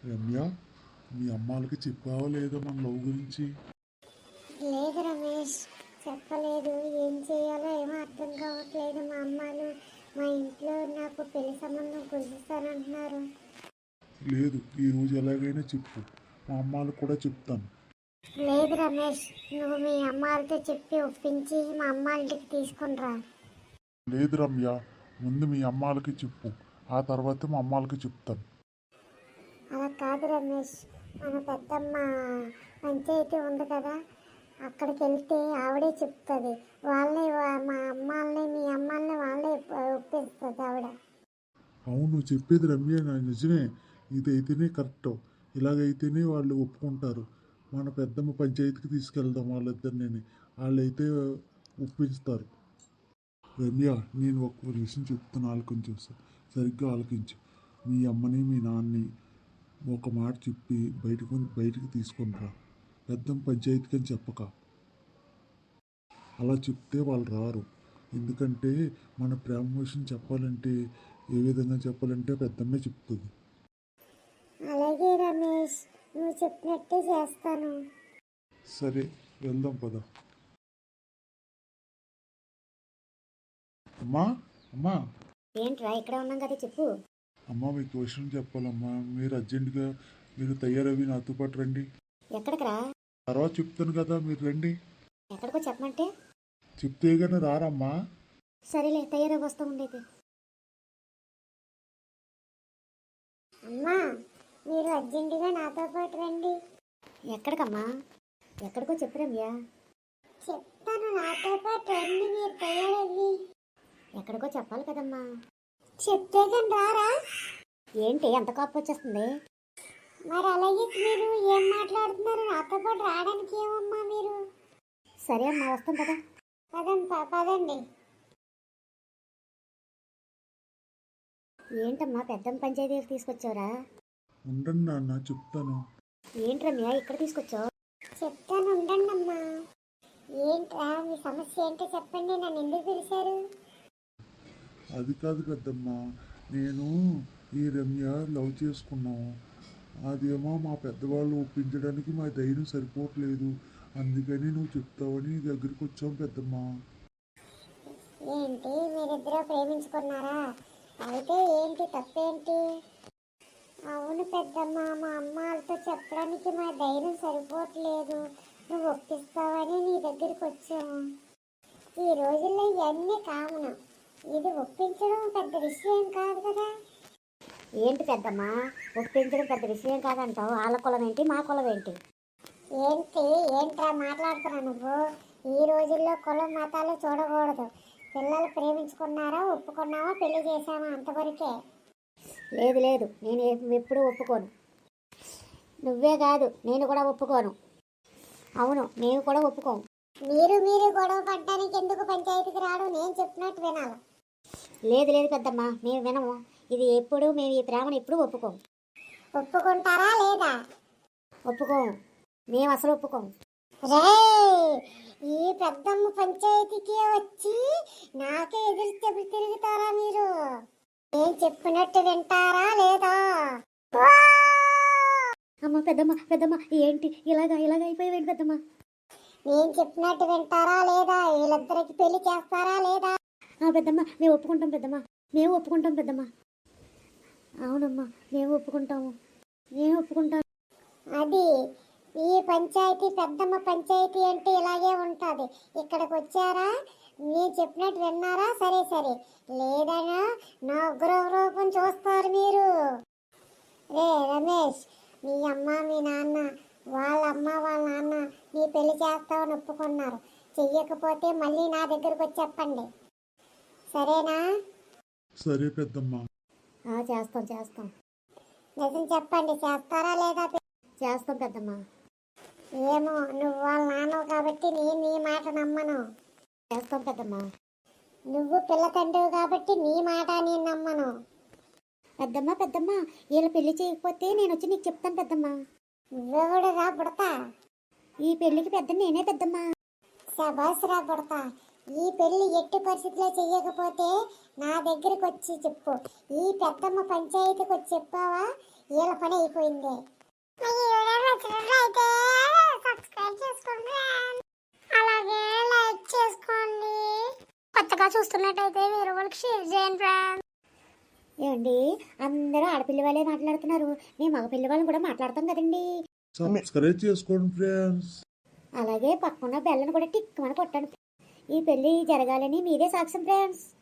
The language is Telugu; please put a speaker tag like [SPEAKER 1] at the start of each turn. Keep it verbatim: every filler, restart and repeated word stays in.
[SPEAKER 1] రమ్య, మీ అమ్మాలకి చెప్పావా లేదా మన లవ్ గురించి?
[SPEAKER 2] లేదు రమేష్, చెప్పలేదు. ఏం చేయాలో ఏమో అర్థం కావట్లేదు. మా అమ్మాలు మా ఇంట్లో నాకు పెళ్లి సంబంధం కుదిస్తానంటున్నారు.
[SPEAKER 1] లేదు, ఈరోజు ఎలాగైనా చెప్పు, మా అమ్మాలకు కూడా చెప్తాను.
[SPEAKER 2] లేదు రమేష్, నువ్వు మీ అమ్మాలతో చెప్పి ఒప్పించి మా అమ్మ ఇంటికి తీసుకునిరా.
[SPEAKER 1] లేదు రమ్య, ముందు మీ అమ్మాలకి చెప్పు, ఆ తర్వాత మా అమ్మాలకి చెప్తాను.
[SPEAKER 2] అలా కాదు రమేష్, మన పెద్దమ్మ పంచాయతీ ఉంది కదా, అక్కడికి వెళ్తే ఆవిడే చెప్తుంది. వాళ్ళే వా- మా అమ్మాలని మీ అమ్మాలని వాళ్ళే ఒప్పిస్తుంది ఆవిడ.
[SPEAKER 1] అవును, చెప్పేది రమ్య నా నిజమే. ఇదైతేనే కరెక్ట్. ఇలాగైతేనే వాళ్ళు ఒప్పుకుంటారు. మన పెద్దమ్మ పంచాయతీకి తీసుకెళ్దాం వాళ్ళిద్దరిని, వాళ్ళైతే ఒప్పిస్తారు. రమ్య, నేను ఒక విషయం చెప్తాను, ఆలకించు, సరిగ్గా ఆలకించు. మీ అమ్మని మీ నాన్నని ఒక మాట చెప్పి బయటకు బయటికి తీసుకొని రా. పెద్దమ్మ పంచాయతీకి అని చెప్పక. అలా చెప్తే వాళ్ళు రారు. ఎందుకంటే మన ప్రేమ విషయం చెప్పాలంటే ఏ విధంగా చెప్పాలంటే పెద్దమ్మే చెప్తుంది.
[SPEAKER 2] అలాగే రమేష్, నువ్వు చెప్పినట్టే చేస్తాను.
[SPEAKER 1] సరే, వెళ్దాం పద. అమ్మా, అమ్మా,
[SPEAKER 2] ఏంట్రా ఇక్కడ ఉన్నాం కదా, చెప్పు.
[SPEAKER 1] అమ్మా, మీకు విషయం చెప్పాలమ్మా. మీరు అర్జెంటుగా మీరు తయారవి నాతో పాటు రండి.
[SPEAKER 2] ఎక్కడికి రా?
[SPEAKER 1] తర్వాత చెప్తాను కదా, మీరు రండి.
[SPEAKER 2] ఎక్కడికో చెప్పమంటే?
[SPEAKER 1] చెప్తే కానీ రారమ్మా.
[SPEAKER 2] సరేలే, తయారై వస్తూ ఉండేది. అమ్మా, మీరు అర్జెంటుగా నాతో పాటు రండి. ఎక్కడికమ్మా? ఎక్కడికో చెప్పు రమ్య. చెప్తాను, నాతో పాటు రండి, మీరు తయారయ్యి. ఎక్కడికో చెప్పాలి కదమ్మా. చెప్తే కానీ రారా? ఏంటి అంత కోపం వచ్చేస్తుంది? మరి అలాగే మీరు ఏం మాట్లాడుతున్నారు? నాతో పాటు రావడానికి ఏమమ్మా మీరు? సరే అమ్మా, వస్తాం కదా. పదండి పదండి. ఏంటమ్మా పెద్దమ్మ పంచాయతీకి తీసుకొచ్చావురా?
[SPEAKER 1] ఉండండి నాన్న, చెప్తాను.
[SPEAKER 2] ఏంటి రమ్య ఇక్కడ తీసుకొచ్చావు? చెప్తాను, ఉండండి అమ్మా. ఏంట్రా మీ సమస్య ఏంటో చెప్పండి, నన్ను ఎందుకు పిలిచారు?
[SPEAKER 1] అది కాదు పెద్దమ్మ, నేను ఈ రమ్య లవ్ చేసుకున్నాము. అదేమో మా పెద్దవాళ్ళు ఒప్పించడానికి మా ధైర్యం సరిపోవట్లేదు. అందుకని నువ్వు చెప్తావని నీ దగ్గరికి వచ్చాం పెద్దమ్మ.
[SPEAKER 2] ఏంటి మీరిద్దరూ ప్రేమించుకున్నారా? అయితే ఏంటి తప్పేంటి? అవును పెద్దమ్మ, మా అమ్మ వాళ్ళతో చెప్పడానికి మా ధైర్యం సరిపోవట్లేదు. నువ్వు ఒప్పిస్తావని నీ దగ్గరికి వచ్చాము. ఈ రోజుల్లో ఇవన్నీ కామన్. ఇది ఒప్పించడం పెద్ద విషయం కాదు కదా. ఏంటి పెద్దమ్మా, ఒప్పించడం పెద్ద విషయం కాదంటావు? వాళ్ళ కులం ఏంటి, మా కులం ఏంటి? ఏంటి ఏంట్రా మాట్లాడుతున్నావు నువ్వు? ఈ రోజుల్లో కులం మతాలు చూడకూడదు. పిల్లలు ప్రేమించుకున్నారా, ఒప్పుకున్నావా, పెళ్లి చేశామా, అంతవరకే. లేదు లేదు, నేను ఎప్పుడూ ఒప్పుకోను. నువ్వే కాదు, నేను కూడా ఒప్పుకోను. అవును, నేను కూడా ఒప్పుకోను. మీరు మీరు గొడవ పడ్డానికి ఎందుకు పంచాయతీకి రావడం? నేను చెప్పినట్టు వినాలి. లేదు లేదు పెద్దమ్మ, మేము వినము. ఇది ఎప్పుడు మేము ఈ ప్రేమను ఎప్పుడు ఒప్పుకోము. ఒప్పుకుంటారా లేదా? ఒప్పుకోము, మేము అసలు ఒప్పుకోము. రే, ఈ పెద్దమ్మ పంచాయతీకి వచ్చి నాకే ఎదురు చెప్పి తిరుగుతారా మీరు? నేను చెప్పినట్టు వింటారా లేదా? అమ్మ పెద్దమ్మ, పెద్దమ్మ ఏంటి ఇలాగా ఇలాగ అయిపోయావేంటి పెద్దమ్మ? నేను చెప్పినట్టు వింటారా లేదా? వీళ్ళిద్దరికి పెళ్లి చేస్తారా లేదా? పెద్దమ్మ, మేము ఒప్పుకుంటాం పెద్దమ్మ, మేము ఒప్పుకుంటాం పెద్దమ్మ. అవునమ్మా, మేము ఒప్పుకుంటాము, మేము ఒప్పుకుంటాం. అది ఈ పంచాయతీ పెద్దమ్మ పంచాయతీ అంటే ఇలాగే ఉంటుంది. ఇక్కడికి వచ్చారా, నేను చెప్పినట్టు విన్నారా? సరే సరే, లేదనా నా ఉగ్ర రూపం చూస్తారు మీరు. రే రమేష్, మీ అమ్మ మీ నాన్న, వాళ్ళ అమ్మ వాళ్ళ నాన్న నీ పెళ్లి చేస్తామని ఒప్పుకున్నారు. చెయ్యకపోతే మళ్ళీ నా దగ్గరకు వచ్చి చెప్పండి, సరేనా?
[SPEAKER 1] సరే పెద్దమ్మ.
[SPEAKER 2] చేస్తాం చేస్తాం. నిజం చెప్పండి, చేస్తారా లేదా? చేస్తాం పెద్దమ్మ. ఏమో, నువ్వు వాళ్ళ నాన్నవు కాబట్టి నేను నీ మాట నమ్మను. చేస్తాం పెద్దమ్మ. నువ్వు పిల్ల తండ్రివి కాబట్టి నీ మాట నేను నమ్మను. పెద్దమ్మ పెద్దమ్మ, వీళ్ళ పెళ్లి చేయకపోతే నేను వచ్చి నీకు చెప్తాను పెద్దమ్మ. నువ్వెవడు రా బుడతా? ఈ పెళ్లికి పెద్ద నేనే పెద్దమ్మ. శబాస్ రా బుడతా, ఈ పెళ్లి ఎట్టి పరిస్థితిలో చెయ్యకపోతే నా దగ్గరికి వచ్చి చెప్పు. ఈ పెద్దమ్మ పంచాయతీకి వచ్చి చెప్పావా, వీళ్ళ పని అయిపోయింది. మీకు ఈ వీడియో నచ్చినట్లయితే సబ్స్క్రైబ్ చేసుకోండి, అలాగే లైక్ చేసుకోండి. కొత్తగా చూస్తున్నట్టయితే వేరే వాళ్ళకి షేర్ చేయండి ఫ్రెండ్స్. ఏమండి అందరూ ఆడపిల్ల వాళ్ళే మాట్లాడుతున్నారు, మేము మగపిల్ల వాళ్ళని కూడా మాట్లాడతాం కదండి.
[SPEAKER 1] సబ్స్క్రైబ్ చేసుకోండి ఫ్రెండ్స్.
[SPEAKER 2] అలాగే పక్కన బెల్లను కూడా టిక్ మన కొట్టండి. ఈ పెళ్లి జరగాలని మీరే సాక్ష్యం ఫ్రెండ్స్.